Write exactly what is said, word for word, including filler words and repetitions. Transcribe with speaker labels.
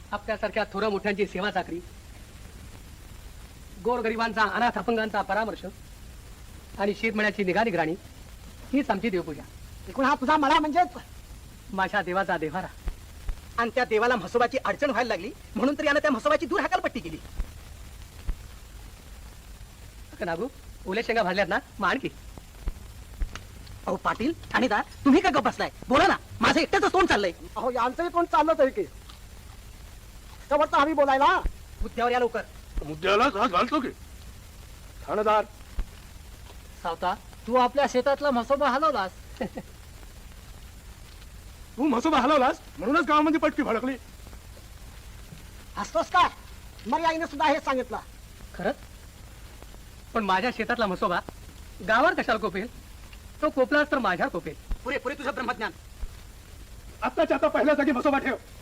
Speaker 1: आपल्यासारख्या थोर मोठ्यांची सेवा चाकरी, गोरगरिबांचा अनाथ अपंगांचा परामर्श आणि शेतमळ्याची निगा निगराणी हीच आमची देवपूजा.
Speaker 2: एकूण हा तुझा मला म्हणजे
Speaker 1: माझ्या देवाचा देव्हारा.
Speaker 2: आणि त्या देवाला म्हसोबाची अडचण व्हायला लागली म्हणून तर यानं त्या म्हसोबाची दूर हकालपट्टी केली.
Speaker 1: नागू ओल्या शेंगा भाजल्यात ना, मग आणखी.
Speaker 2: अहो पाटील ठाणेदार, तुम्ही का गप बसलाय? बोला ना, माझं एकट्याच तोंड चाललंय.
Speaker 3: अहो यांचंही कोण चाललंच आहे की त्यावरचं आम्ही बोलायला.
Speaker 2: मुद्द्यावर या लवकर.
Speaker 4: मुद्द्याला हात घालतो की ठाणेदार.
Speaker 1: सावता, तू आपल्या शेतातला म्हसोबा हलवलास.
Speaker 4: तू म्हसोबा हलवलास म्हणूनच गावामध्ये पटकी भडकली.
Speaker 3: हसतोस का? मग आईने सुद्धा हेच सांगितलं.
Speaker 1: खरंच? पण माझ्या शेतातला म्हसोबा गावावर कशाला कोपेल? तो कोपलाच तर माझ्या कोपेल.
Speaker 2: पुरे पुरे तुझं ब्रह्मज्ञान.
Speaker 4: आत्ताच्या आता पहिल्या जागी म्हसोबा ठेव.